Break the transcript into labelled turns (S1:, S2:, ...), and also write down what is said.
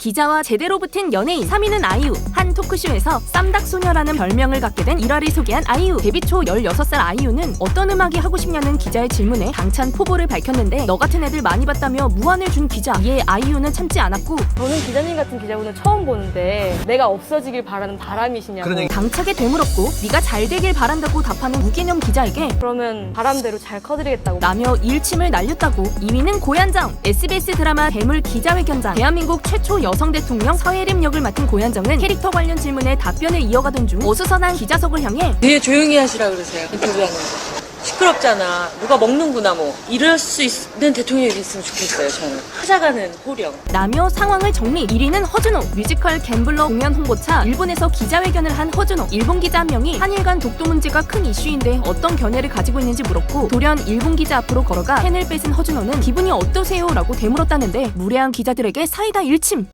S1: 기자와 제대로 붙은 연예인 3위는 아이유. 한 토크쇼에서 쌈닭소녀라는 별명을 갖게 된 일화를 소개한 아이유. 데뷔 초 16살 아이유는 어떤 음악이 하고 싶냐는 기자의 질문에 당찬 포부를 밝혔는데 너 같은 애들 많이 봤다며 무안을 준 기자. 이에 아이유는 참지 않았고
S2: 저는 기자님 같은 기자분을 처음 보는데 내가 없어지길 바라는 바람이시냐고.
S3: 그런 얘기.
S1: 당차게 되물었고 네가 잘 되길 바란다고 답하는 무개념 기자에게
S2: 그러면 바람대로 잘 커드리겠다고.
S1: 라며 일침을 날렸다고. 2위는 고현정. SBS 드라마 대물 기자회견장. 대한민국 최초 여성 대통령 서혜림 역을 맡은 고현정은 캐릭터 관련 질문에 답변을 이어가던 중 어수선한 기자석을 향해
S4: 되게 조용히 하시라 그러세요. 인터뷰하는 거. 시끄럽잖아. 누가 먹는구나 뭐. 이럴 수 있는 대통령이 있으면 좋겠어요. 저는. 찾아가는 호령.
S1: 라며 상황을 정리. 1위는 허준호. 뮤지컬 갬블러 공연 홍보차 일본에서 기자회견을 한 허준호. 일본 기자 한 명이 한일 간 독도 문제가 큰 이슈인데 어떤 견해를 가지고 있는지 물었고 돌연 일본 기자 앞으로 걸어가 펜을 뺏은 허준호는 기분이 어떠세요? 라고 되물었다는데 무례한 기자들에게 사이다 일침.